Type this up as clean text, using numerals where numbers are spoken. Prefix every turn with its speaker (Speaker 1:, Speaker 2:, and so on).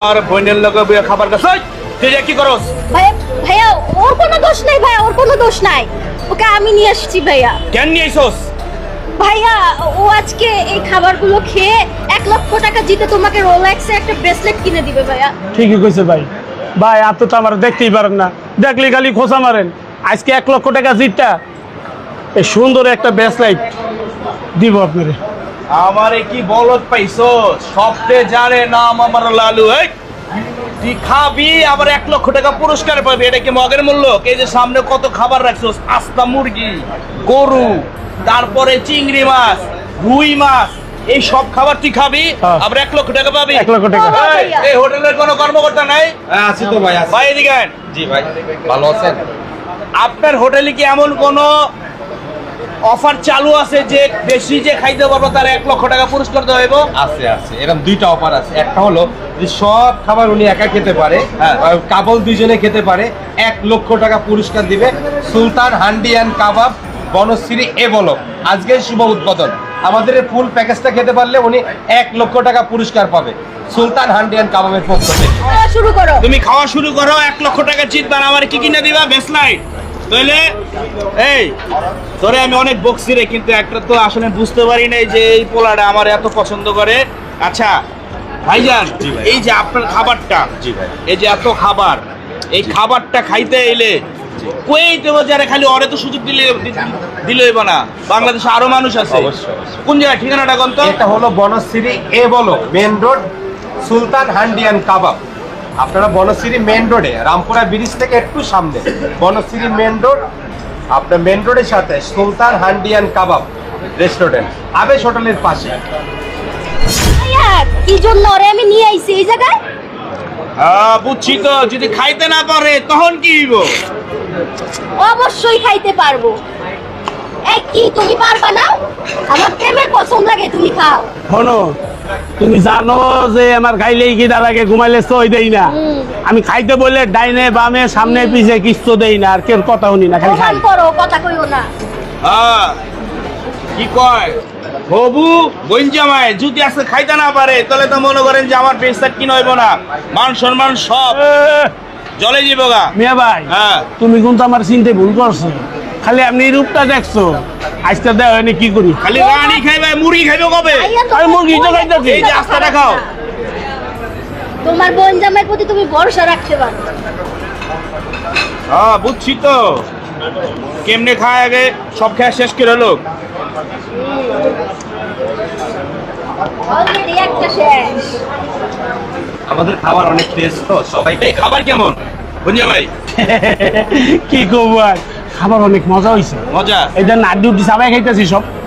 Speaker 1: আর বোনের লগে বইয়া খাবার খাস তুই কি করস?
Speaker 2: ভাইয়া ভাইয়া ওর কোনো দোষ নাই, ভাইয়া ওর কোনো দোষ নাই, ওকে আমি নিয়ে আসছি ভাইয়া।
Speaker 1: কেন নিয়ে আইছস?
Speaker 2: ভাইয়া ও আজকে এই খাবারগুলো খেয়ে 1 লক্ষ টাকা জিতে তোমাকে রোলেক্সের একটা ব্রেসলেট কিনে দিবে ভাইয়া।
Speaker 3: ঠিকই কইছে ভাই। ভাই আপনি তো আমার দেখতেই পারেন না, দেখলে খালি খোঁচা মারেন। আজকে 1 লক্ষ টাকা জিতটা এই সুন্দর একটা ব্রেসলেট দিব আপনারে।
Speaker 1: আমারে কি বলত পাইছস? সবতে জানে নাম আমার লালু। এই তুই খাবি আবার 1 লক্ষ টাকা পুরস্কার পাবি, এটা কি মগের মূল্য? এই যে সামনে কত খাবার রাখছস, আস্তা মুরগি, গরু, তারপরে চিংড়ি মাছ, রুই মাছ, এই সব খাবার তুই খাবি আবার 1 লক্ষ টাকা পাবি।
Speaker 3: 1 লক্ষ টাকা।
Speaker 1: এই হোটেলের কোনো কর্মকর্তা নাই?
Speaker 4: আছি তো ভাই, আছি।
Speaker 1: ভাই এদিকে আয়।
Speaker 4: জি ভাই, ভালো আছেন?
Speaker 1: আপনার হোটেলে কি এমন কোনো অফার চালু আছে যে বেশি যে খাইতে পারবো তার 1 লক্ষ টাকা পুরস্কার দেওয়া হইব?
Speaker 4: আছে আছে, এরকম দুইটা অফার আছে। একটা হলো যে সব খাবার উনি একা খেতে পারে, আর কাপল দুইজনে খেতে পারে, 1 লক্ষ টাকা পুরস্কার দিবে। সুলতান হান্ডি অ্যান্ড কাবাব, বনশ্রী এ বলো, আজকে শুভ উদ্বোধন। আমাদের এই ফুল প্যাকেজটা খেতে পারলে উনি 1 লক্ষ টাকা পুরস্কার পাবে সুলতান হান্ডি অ্যান্ড কাবাবের পক্ষ থেকে।
Speaker 2: খাওয়া শুরু করো।
Speaker 1: তুমি খাওয়া শুরু করো, 1 লক্ষ টাকা জিতবার। আমার কি কিনে দিবা? বেসলাইট। তাহলে এই তোরে আমি অনেক বকছি রে, কিন্তু একটা তো আসলে বুঝতে পারি নাই যে এই পোলাটা আমার এত পছন্দ করে। আচ্ছা ভাইজান, এই যে আপনার খাবারটা, এই যে এত খাবার, এই খাবারটা খাইতে এলে কই দেবো যারা খালি ওরে তো সুযোগ দিলে হইব না, বাংলাদেশে আরো মানুষ আছে।
Speaker 4: অবশ্যই, অবশ্যই।
Speaker 1: কোন জায়গায় ঠিকানাটা কোন তো?
Speaker 4: এটা হলো বনশ্রী এ বলো main road, Sultan Handi and Kabab. আপনারা বনশ্রী মেন রোডে, রামপুরা ব্রিজ থেকে একটু সামনে বনশ্রী মেন রোড, আপনার মেন রোডের সাথে সুলতান হান্ডি অ্যান্ড কাবাব রেস্টুরেন্ট, আবেশ হোটেলের পাশে।
Speaker 2: ভাইয়া কি জন্য ওরে আমি নিয়ে আইছি এই জায়গায়?
Speaker 1: বুঝছি তো, যদি খাইতে না পারে তখন কি হইব?
Speaker 2: অবশ্যই খাইতে পারবো। এই কি তুমি পারবা না? আমার প্রেমের পছন্দ লাগে, তুমি খাও।
Speaker 3: শোনো, তুমি জানো যে আমার খাইলেই কি তার আগে ঘুমাইলে সই দেই না। আমি খাইতে বললে ডাইনে বামে সামনে পিছে কিচ্ছু দেই না, আর কেউ কথা শুনি না, খালি খাই।
Speaker 2: প্রমাণ করো, কথা কইও না।
Speaker 1: কি কয় হবু বইনজামাই যদি আজকে খাইতে না পারে তাহলে তো মনে করেন যে আমার পেশার কি নইব না, মান সম্মান সব জলে যাবো গা।
Speaker 3: মিয়া ভাই,
Speaker 1: হ্যাঁ।
Speaker 3: তুমি কিন্তু আমার চিনতে ভুল করছো। খালি আপনি রূপটা দেখছো, আজকে দেওয়া হয়নি কি করি।
Speaker 1: খালি রানি খাইবে, মুরগি খাইবে কবে?
Speaker 2: ভাইয়া,
Speaker 3: আরে মুরগি তো খাইতেছি।
Speaker 1: এই যে আস্তাটা খাও।
Speaker 2: তোমার বোন জামাইয়ের প্রতি তুমি ভরসা রাখতে পারো।
Speaker 1: বুঝছি তো, কেমনে খায় আগে সব খেয়ে শেষ করে হলো।
Speaker 2: অলরেডি একটা শেষ।
Speaker 4: আমাদের খাবার অনেক টেস্ট তো, সবাই
Speaker 1: এই খাবার কেমন বইনজামাই?
Speaker 3: কি করবো আর, খাবার অনেক মজা হয়েছে।
Speaker 1: মজা?
Speaker 3: এটা নাড্ডি উঠি সবাই খাইতেছি সব।